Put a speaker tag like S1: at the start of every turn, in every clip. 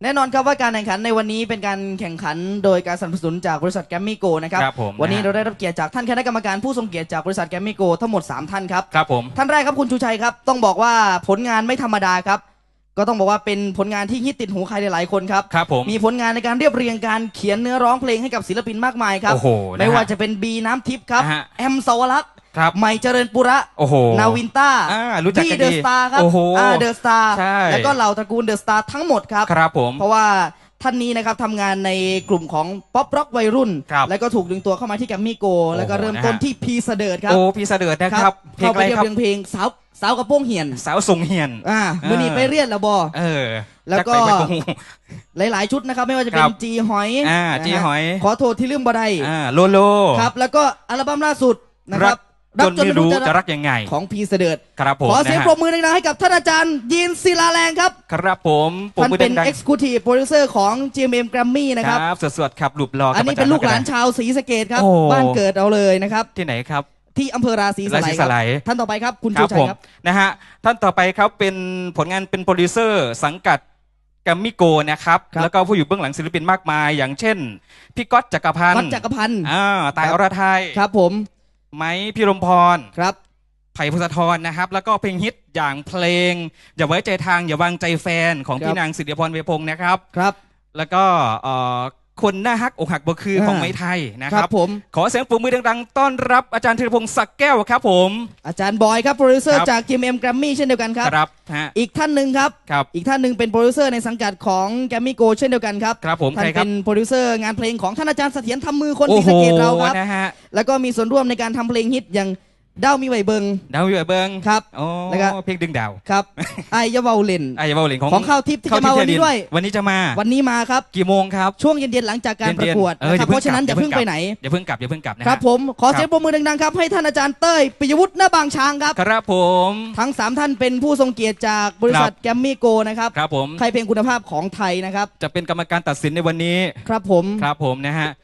S1: แน่นอนครับว่าการแข่งขันในวันนี้เป็นการแข่งขันโดยการสนับสนุนจากบริษัทแกรมมี่โกนะครับวันนี้เราได้รับเกียรติจากท่านคณะกรรมการผู้ทรงเกียรติจากบริษัทแกรมมี่โกทั้งหมด3ท่านครับ
S2: ครับผม
S1: ท่านแรกครับคุณชูชัยครับต้องบอกว่าผลงานไม่ธรรมดาครับก็ต้องบอกว่าเป็นผลงานที่ฮิตติดหูใครหลายๆคนครับ
S2: ครับผม
S1: มีผลงานในการเรียบเรียงการเขียนเนื้อร้องเพลงให้กับศิลปินมากมายครับไม่ว่าจะเป็นบีน้ำทิพย์ครับแอมสวรักษ์ใหม่เจริญปุระนาวินต้า
S2: พี่
S1: เดอะสตาร์ครับเดอะสตาร์แล้วก็เหล่าตระกูลเดอะสตาร์ทั้งหมดครับ
S2: ครับผม
S1: เพราะว่าท่านนี้นะครับทำงานในกลุ่มของป๊อปร็อกวัยรุ่นแล้วก็ถูกดึงตัวเข้ามาที่แกรมมี่โกแล้วก็เริ่มต้นที่พีเสดิร์ดครับ
S2: พีเสดิร์ดนะครับ
S1: เข้าไปเรียบเพลงสาวกระโปรงเหียน
S2: สาวทรงเหียน
S1: มือนีไปเรียนแล้วบอแล้วก็หลายๆชุดนะครับไม่ว่าจะเป็นจีหอยขอโทษที่ลืมบ่ได้
S2: โลโล
S1: ครับแล้วก็อัลบั้มล่าสุดนะครับ
S2: จนไม่รู้จะรักยังไง
S1: ของพีเสดิร์ด
S2: ครับผม
S1: ขอเสียงปรบมือดังๆให้กับท่านอาจารย์ยีนศิลาแรงครับ
S2: ครับผม
S1: ท่านเป็น Executive Producer ของ GMM Grammy นะครับ
S2: สดๆครับหลุบรอ
S1: อันนี้เป็นลูกหลานชาวศรีสะเกษครับบ้านเกิดเราเลยนะครับ
S2: ที่ไหนครับ
S1: ที่อำเภอราศีสไลท่านต่อไปครับคุณชูชัยครับ
S2: นะฮะท่านต่อไปครับเป็นผลงานเป็นโปรดิวเซอร์สังกัดแกรมมี่โกนะครับแล้วก็ผู้อยู่เบื้องหลังศิลปินมากมายอย่างเช่นพี่ก๊อตจักรพันธ์ตายอรไทย
S1: ครับผม
S2: ไม้พี่รมพร
S1: ครับ
S2: ไผ่พงศธรนะครับแล้วก็เพลงฮิตอย่างเพลงอย่าไว้ใจทางอย่าวางใจแฟนของพี่นางสิริพรเวพงศ์นะครับแล้วก็คนหน้าฮักอกหักบ่คือของไม้ไทยนะครับ
S1: ผม
S2: ขอเสียงปรบมือดังๆต้อนรับอาจารย์ธีรพงศ์ศักดิ์แก้วครับผม
S1: อาจารย์บอยครับโปรดิวเซอร์จาก GMM Grammy เช่นเดียวกันครับอีกท่านหนึ่งครับอีกท่านหนึ่งเป็นโปรดิวเซอร์ในสังกัดของ Grammy Go เช่นเดียวกันครับท่านเป็นโปรดิวเซอร์งานเพลงของท่านอาจารย์เสถียรทำมือคนศรีสะเกษเราครับแล้วก็มีส่วนร่วมในการทำเพลงฮิตอย่างดาวมีไหวเบิงครับ
S2: แล้วก็เพลงดึงดาว
S1: ครับไอยาเวาเลนของข้าวทิพย์ที่จะมาวันนี้ด้วย
S2: วันนี้จะมา
S1: ครับ
S2: กี่โมงครับ
S1: ช่วงเย็นๆหลังจากการประกวดเพราะฉะนั้นอย่าเพิ่งไปไหน
S2: อย่าเพิ่งกลับ
S1: นะครับผมขอเสียงปรบมือดังๆครับให้ท่านอาจารย์เต้ยปิยวุฒิหน้าบางช้างครับ
S2: ครับผม
S1: ทั้ง3ท่านเป็นผู้ทรงเกียรติจากบริษัทแกรมมี่โกนะครับ
S2: ครับผม
S1: ใครเพลงคุณภาพของไทยนะครับ
S2: จะเป็นกรรมการตัดสินในวันนี้
S1: ครับ
S2: ผมนะฮะ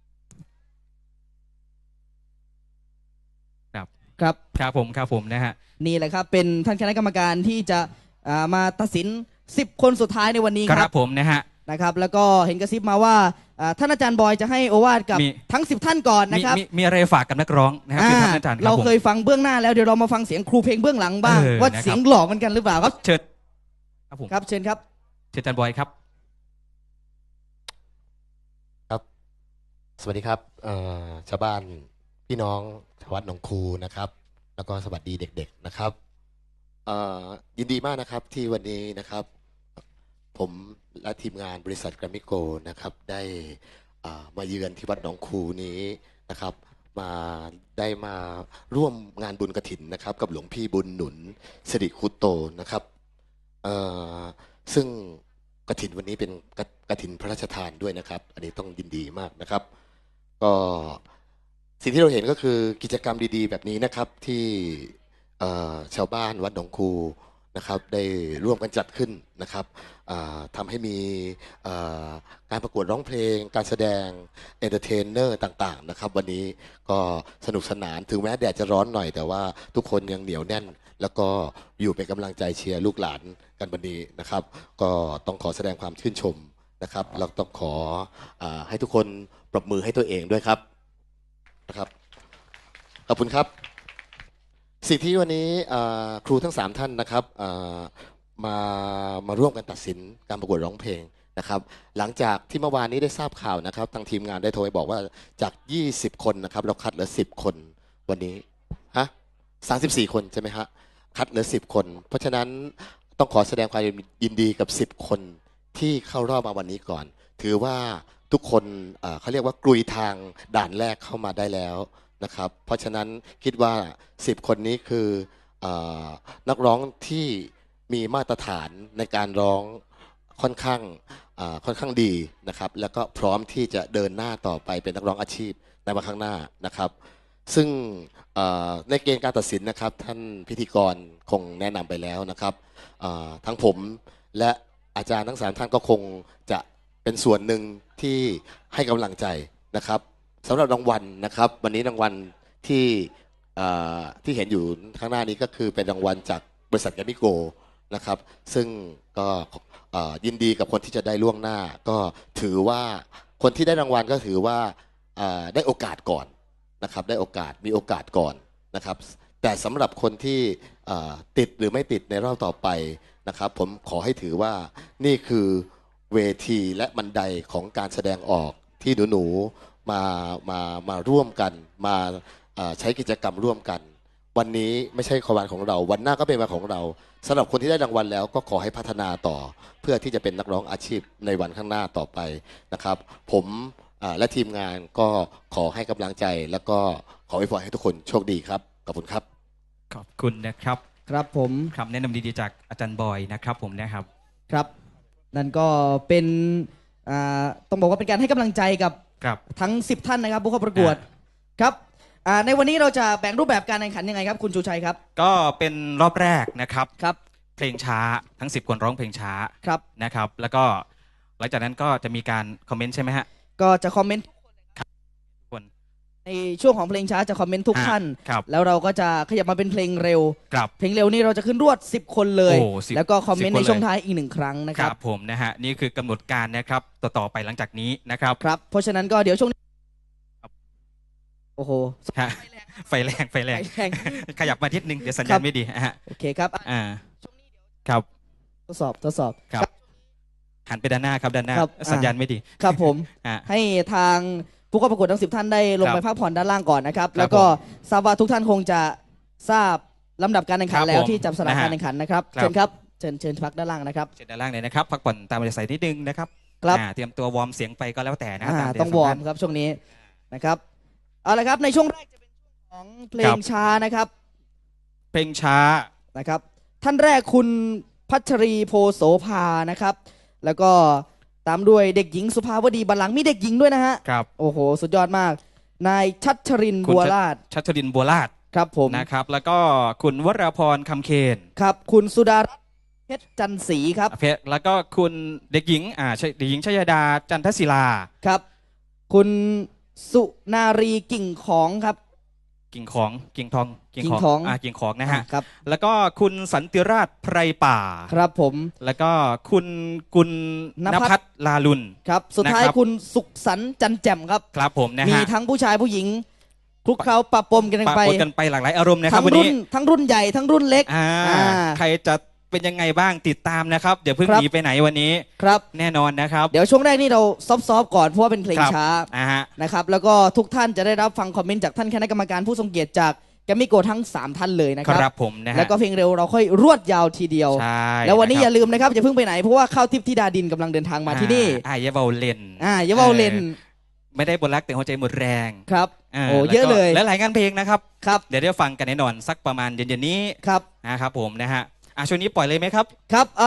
S2: ครับผมนะฮะ
S1: นี่แหละครับเป็นท่านคณะกรรมการที่จะมาตัดสิน10คนสุดท้ายในวันนี้
S2: ครับผม
S1: นะครับแล้วก็เห็นกระซิบมาว่าท่านอาจารย์บอยจะให้โอวาทกับทั้ง10ท่านก่อนนะครับ
S2: มีอะไรฝากกับนักร้องนะครับท่านอาจารย์
S1: เราเคยฟังเบื้องหน้าแล้วเดี๋ยวเรามาฟังเสียงครูเพลงเบื้องหลังบ้างว่าเสียงหล่อกันหรือเปล่าครับ
S2: เชิญครับผม
S1: ครับเชิญครับ
S2: อาจารย์บอยครับ
S3: สวัสดีครับชาวบ้านพี่น้องชาววัดหนองคูนะครับแล้วก็สวัสดีเด็กๆนะครับยินดีมากนะครับที่วันนี้นะครับผมและทีมงานบริษัทแกรมมี่โกนะครับได้มาเยือนที่วัดหนองคูนี้นะครับได้มาร่วมงานบุญกฐินนะครับกับหลวงพี่บุญหนุนสิริคุโตนะครับซึ่งกฐินวันนี้เป็นกฐินพระราชทานด้วยนะครับอันนี้ต้องยินดีมากนะครับก็สิ่งที่เราเห็นก็คือกิจกรรมดีๆแบบนี้นะครับที่ชาวบ้านวัดหนองคูนะครับได้ร่วมกันจัดขึ้นนะครับทำให้มีการประกวดร้องเพลงการแสดงเอนเตอร์เทนเนอร์ต่างๆนะครับวันนี้ก็สนุกสนานถึงแม้แดดจะร้อนหน่อยแต่ว่าทุกคนยังเหนียวแน่นแล้วก็อยู่เป็นกำลังใจเชียร์ลูกหลานกันวันนี้นะครับก็ต้องขอแสดงความชื่นชมนะครับเราต้องขอให้ทุกคนปรบมือให้ตัวเองด้วยครับนะครับขอบคุณครับสิ่งที่วันนี้ครูทั้ง3ท่านนะครับมาร่วมกันตัดสินการประกวดร้องเพลงนะครับหลังจากที่เมื่อวานนี้ได้ทราบข่าวนะครับทางทีมงานได้โทรไปบอกว่าจาก20คนนะครับเราคัดเหลือ10คนวันนี้34คนใช่ไหมฮะคัดเหลือ10คนเพราะฉะนั้นต้องขอแสดงความยินดีกับ10คนที่เข้ารอบมาวันนี้ก่อนถือว่าทุกคนเขาเรียกว่ากลุยทางด่านแรกเข้ามาได้แล้วนะครับเพราะฉะนั้นคิดว่า10คนนี้คือนักร้องที่มีมาตรฐานในการร้องค่อนข้างดีนะครับแล้วก็พร้อมที่จะเดินหน้าต่อไปเป็นนักร้องอาชีพในวันข้างหน้านะครับซึ่งในเกณฑ์การตัดสินนะครับท่านพิธีกรคงแนะนำไปแล้วนะครับทั้งผมและอาจารย์ทั้ง3ท่านก็คงจะเป็นส่วนหนึ่งที่ให้กำลังใจนะครับสำหรับรางวัลนะครับวันนี้รางวัลที่เห็นอยู่ข้างหน้านี้ก็คือเป็นรางวัลจากบริษัทแกรมมี่โกนะครับซึ่งก็ยินดีกับคนที่จะได้ล่วงหน้าก็ถือว่าคนที่ได้รางวัลก็ถือว่าได้โอกาสก่อนนะครับได้โอกาสมีโอกาสก่อนนะครับแต่สำหรับคนที่ติดหรือไม่ติดในรอบต่อไปนะครับผมขอให้ถือว่านี่คือเวทีและบันไดของการแสดงออกที่หนูๆมาร่วมกันมาใช้กิจกรรมร่วมกันวันนี้ไม่ใช่วันของเราวันหน้าก็เป็นวันของเราสำหรับคนที่ได้รางวัลแล้วก็ขอให้พัฒนาต่อเพื่อที่จะเป็นนักร้องอาชีพในวันข้างหน้าต่อไปนะครับผมและทีมงานก็ขอให้กำลังใจแล้วก็ขออวยพรให้ทุกคนโชคดีครับขอบคุณครับ
S2: ขอบคุณนะครับ
S1: ครับผม
S2: คำแนะนำดีๆจากอาจารย์บอยนะครับผมนะครับ
S1: ครับนั่นก็เป็นต้องบอกว่าเป็นการให้กำลังใจกับทั้ง10ท่านนะครับผู้เข้าประกวดครับในวันนี้เราจะแบ่งรูปแบบการแข่งขันยังไงครับคุณชูชัยครับ
S2: ก็เป็นรอบแรกนะครับเพลงช้าทั้ง10คนร้องเพลงช้านะครับแล้วก็หลังจากนั้นก็จะมีการคอมเมนต์ใช่ไหมฮะ
S1: ก็จะคอมเมนต์ในช่วงของเพลงช้าจะคอมเมนต์ทุกท่านแล้วเราก็จะขยับมาเป็นเพลงเร็วเพลงเร็วนี่เราจะขึ้นรวด10คนเลยแล้วก็คอมเมนต์ในช่วงท้ายอีก1ครั้งนะครับ
S2: ผมนะฮะนี่คือกำหนดการนะครับต่อไปหลังจากนี้นะครับ
S1: ครับเพราะฉะนั้นก็เดี๋ยวช่วงโอ้โห
S2: ไฟแรงขยับมาทิศนึงเดี๋ยวสัญญาณไม่ดีฮะ
S1: โอเคครับ
S2: ครับ
S1: ทดสอบ
S2: ครับหันไปด้านหน้าครับด้านหน้าสัญญาณไม่ดี
S1: ครับผมให้ทางผู้เข้าประกวดทั้ง10ท่านได้ลงไปพักผ่อนด้านล่างก่อนนะครับแล้วก็ทราบว่าทุกท่านคงจะทราบลำดับการแข่งขันแล้วที่จับสลากการแข่งขันนะครับเชิญครับเชิญพักด้านล่างนะครับ
S2: เชิญด้านล่างเลยนะครับพักผ่อนตามอัธยาศัยนิดนึงนะครับเตรียมตัววอร์มเสียงไปก็แล้วแต่นะ
S1: ต้องวอร์มครับช่วงนี้นะครับเอาละครับในช่วงแรกจะเป็นช่วงของเพลงช้านะครับ
S2: เพลงช้า
S1: นะครับท่านแรกคุณพัชรีโพโสภานะครับแล้วก็ตามด้วยเด็กหญิงสุภาวดีบัลลังก์มีเด็กหญิงด้วยนะฮะ
S2: ครับ
S1: โอ้โหสุดยอดมากนายชัชรินบัวราชครับผม
S2: นะครับแล้วก็คุณวราพรคำเคน
S1: ครับคุณสุดารัตน์เพชรจันทร์ศรีครับ
S2: แล้วก็คุณเด็กหญิงเด็กหญิงชยดาจันทศิลา
S1: ครับคุณสุนารีกิ่งของครับ
S2: กิ่งทองกิ่งของนะฮะ
S1: ครับ
S2: แล้วก็คุณสันติราชไพรป่า
S1: ครับผม
S2: แล้วก็คุณกุลณภัทรลาลุน
S1: ครับสุดท้ายคุณสุขสันต์จันแจ่มครับ
S2: ครับผมนะฮะ
S1: มีทั้งผู้ชายผู้หญิงคลุกเคล้าปะปนกัน
S2: ไปหลากหลายอารมณ์นะครับวันนี้
S1: ทั้งรุ่นใหญ่ทั้งรุ่นเล็ก
S2: ใครจะเป็นยังไงบ้างติดตามนะครับเดี๋ยวเพิ่งหนีไปไหนวันนี้
S1: ครับ
S2: แน่นอนนะครับ
S1: เดี๋ยวช่วงแรกนี่เราซอฟก่อนเพราะว่าเป็นเพลงช้านะครับแล้วก็ทุกท่านจะได้รับฟังคอมเมนต์จากท่านคณะกรรมการผู้ทรงเกียรติจากแกมมี่โกทั้ง3ท่านเลยนะครับ
S2: ครับผมนะฮะ
S1: แล้วก็เพลงเร็วเราค่อยรวดยาวทีเดียวแล้ววันนี้อย่าลืมนะครับอย่าเพิ่งไปไหนเพราะว่าข้าวทิพย์ธิดาดินกำลังเดินทางมาที่นี่
S2: อย่าเบาเล่น
S1: อย่าเบาเล่น
S2: ไม่ได้บนรักแต่หัวใจหมดแรง
S1: ครับโอ้เยอะเลย
S2: และหลายงานเพลงนะครับ
S1: ครับ
S2: เดี๋ยวได้ฟังกันแน่นอนสักประมาณเย็นๆนี้
S1: ครับ
S2: นะครับผมนะฮะช่วงนี้ปล่อยเลยไหมครับ
S1: ครับ